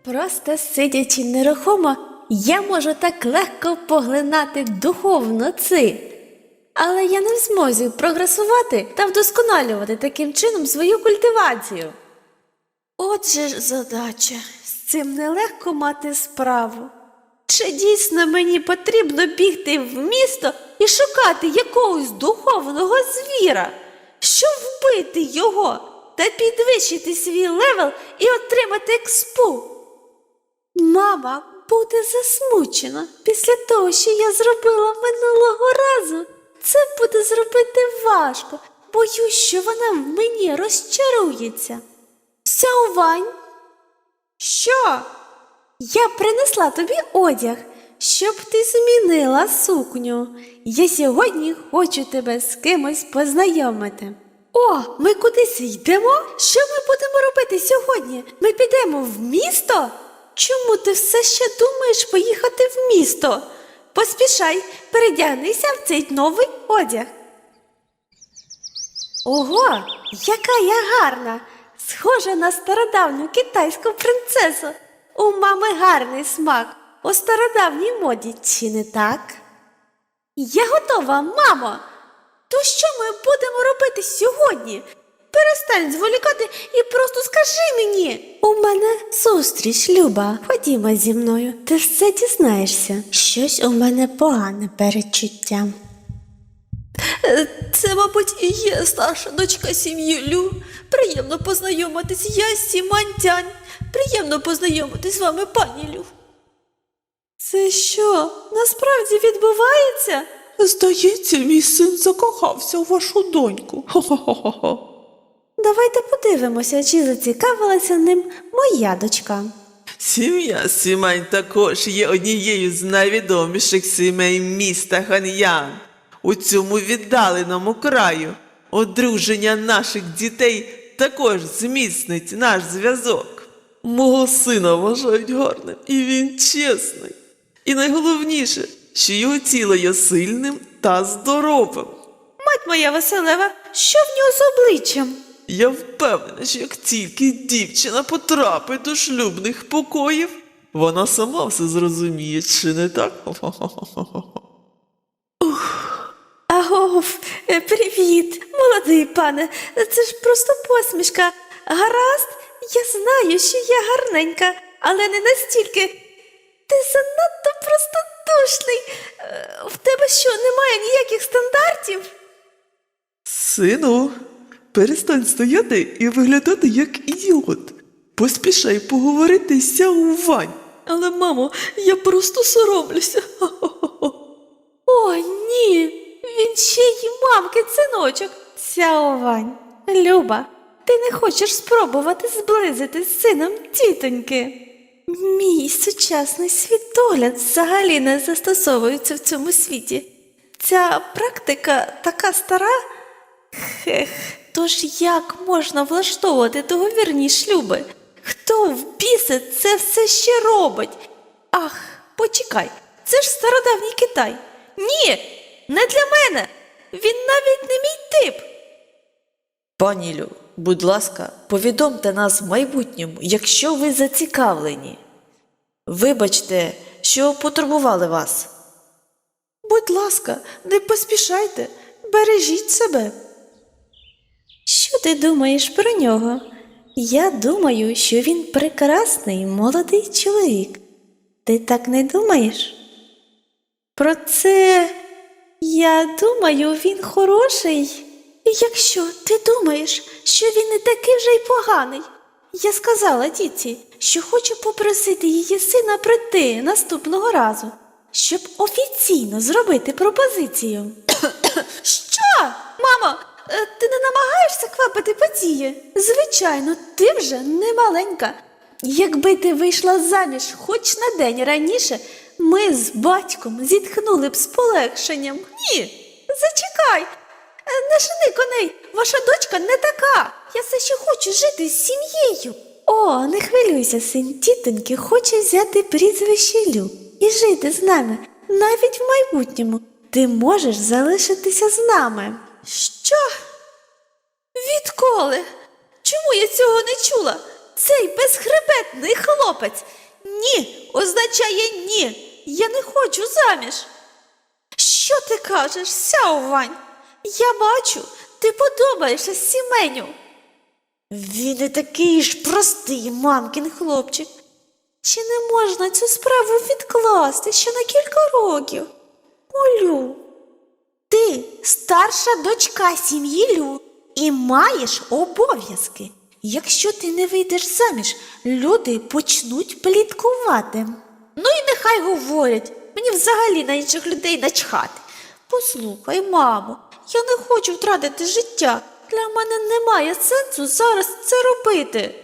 Просто сидячи нерухомо, я можу так легко поглинати духовно ци. Але я не в змозі прогресувати та вдосконалювати таким чином свою культивацію. Отже ж задача, з цим нелегко мати справу. Чи дійсно мені потрібно бігти в місто і шукати якогось духовного звіра, щоб вбити його та підвищити свій левел і отримати експу? Мама буде засмучена після того, що я зробила минулого разу. Це буде зробити важко. Боюсь, що вона в мені розчарується. Сяовань? Що? Я принесла тобі одяг, щоб ти змінила сукню. Я сьогодні хочу тебе з кимось познайомити. О, ми кудись йдемо? Що ми будемо робити сьогодні? Ми підемо в місто? Чому ти все ще думаєш поїхати в місто? Поспішай, передягнися в цей новий одяг. Ого, яка я гарна! Схожа на стародавню китайську принцесу. У мами гарний смак у стародавній моді, чи не так? Я готова, мамо! То що ми будемо робити сьогодні? Перестань зволікати і просто скажи мені. У мене зустріч, Люба. Ходімо зі мною, ти все дізнаєшся. Щось у мене погане передчуття. Це, мабуть, і є старша дочка сім'ї Лю. Приємно познайомитись, я Сімань Тянь. Приємно познайомитись з вами, пані Лю. Це що, насправді відбувається? Здається, мій син закохався у вашу доньку. Хо-хо-хо-хо. Давайте подивимося, чи зацікавилася ним моя дочка. Сім'я Сімань також є однією з найвідоміших сімей міста Хан'ян. У цьому віддаленому краю одруження наших дітей також зміцнить наш зв'язок. Мого сина вважають гарним, і він чесний. І найголовніше, що його тіло є сильним та здоровим. Мать моя Василева, що в нього з обличчям? Я впевнена, що як тільки дівчина потрапить до шлюбних покоїв, вона сама все зрозуміє, чи не так? Агов, привіт, молодий пане, це ж просто посмішка. Гаразд, я знаю, що я гарненька, але не настільки. Ти занадто простодушний. В тебе що, немає ніяких стандартів? Сину, перестань стояти і виглядати як ідіот. Поспішай поговорити з Сяовань. Але, мамо, я просто соромлюся. О, ні, він ще й мамки синочок. Сяовань, Люба, ти не хочеш спробувати зблизити з сином тітоньки? Мій сучасний світогляд взагалі не застосовується в цьому світі. Ця практика така стара. Хех, тож як можна влаштовувати договірні шлюби? Хто в біса це все ще робить? Ах, почекай, це ж стародавній Китай. Ні, не для мене. Він навіть не мій тип. Пані Лю, будь ласка, повідомте нас в майбутньому, якщо ви зацікавлені. Вибачте, що потурбували вас. Будь ласка, не поспішайте, бережіть себе. Що ти думаєш про нього? Я думаю, що він прекрасний молодий чоловік. Ти так не думаєш? Про це, я думаю, він хороший. І якщо ти думаєш, що він не такий вже й поганий, я сказала тітці, що хочу попросити її сина прийти наступного разу, щоб офіційно зробити пропозицію. Що? Мамо, ти не намагаєшся квапити події? Звичайно, ти вже не маленька. Якби ти вийшла заміж хоч на день раніше, ми з батьком зітхнули б з полегшенням. Ні, зачекай. Не жени коней, ваша дочка не така. Я все ще хочу жити з сім'єю. О, не хвилюйся, син тітоньки хоче взяти прізвище Лю і жити з нами. Навіть в майбутньому ти можеш залишитися з нами. Що? Відколи? Чому я цього не чула? Цей безхребетний хлопець Ні означає ні. Я не хочу заміж. Що ти кажеш, Сяовань? Я бачу, ти подобаєшся Сіменю. Він не такий ж простий мамкін хлопчик. Чи не можна цю справу відкласти ще на кілька років? Олю, ти старша дочка сім'ї Лю і маєш обов'язки. Якщо ти не вийдеш заміж, люди почнуть пліткувати. Ну і нехай говорять, мені взагалі на інших людей начхати. Послухай, мамо, я не хочу втратити життя. Для мене немає сенсу зараз це робити.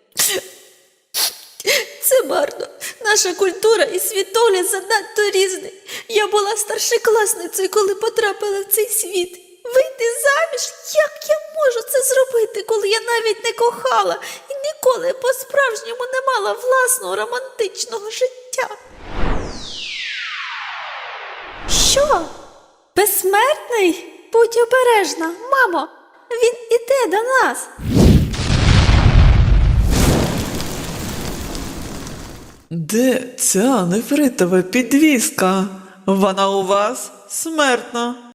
Це марно. Наша культура і світогляд занадто різний. Я була старшокласницею, коли потрапила в цей світ. Вийти заміж? Як я можу це зробити, коли я навіть не кохала і ніколи по-справжньому не мала власного романтичного життя? Що? Безсмертний? Будь обережна, мамо, він іде до нас. Де ця нефритова підвіска? Вона у вас смертна.